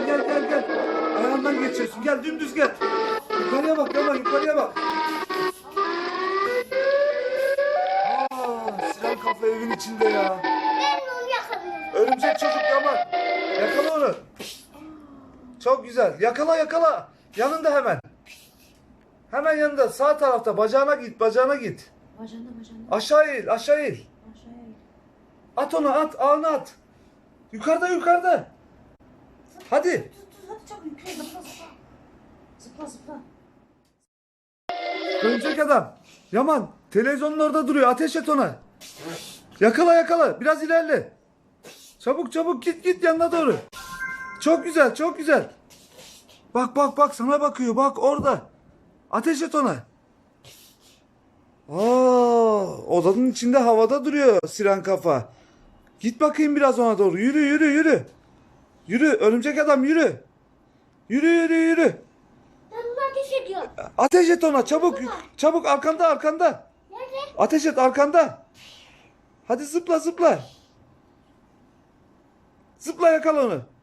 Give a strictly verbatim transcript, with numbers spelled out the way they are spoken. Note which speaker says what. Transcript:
Speaker 1: gel gel gel. Ayağından geçiyorsun. Gel dümdüz gel. Yukarıya bak Yaman, yukarıya bak. Aa, siren kafa evin içinde ya.
Speaker 2: Ben onu yakalıyorum.
Speaker 1: Örümcek çocuk Yaman. Yakala onu. Çok güzel. Yakala yakala. Yanında hemen. Hemen yanında. Sağ tarafta. Bacağına git. Bacağına git.
Speaker 3: Bacağında bacağında.
Speaker 1: Aşağı eğil. Aşağı eğil.
Speaker 3: Aşağıya in.
Speaker 1: At onu at. Ağını at. Yukarıda yukarıda. Hadi.
Speaker 3: Tut tut hadi çabuk yukarı zıpla zıpla. Zıpla zıpla.
Speaker 1: Örümcek adam. Yaman. Televizyonun orada duruyor. Ateş et ona. Yakala yakala. Biraz ilerle. Çabuk çabuk git git yanına doğru. Çok güzel çok güzel. Bak bak bak sana bakıyor. Bak orada. Ateş et ona. Aa, odanın içinde havada duruyor siren kafa. Git bakayım biraz ona doğru. Yürü yürü yürü. Yürü örümcek adam yürü. Yürü yürü yürü.
Speaker 2: Ben onu ateş ediyorum.
Speaker 1: Ateş et ona çabuk. Çabuk arkanda arkanda.
Speaker 2: Nerede?
Speaker 1: Ateş et arkanda. Hadi zıpla zıpla. Zıpla yakala onu.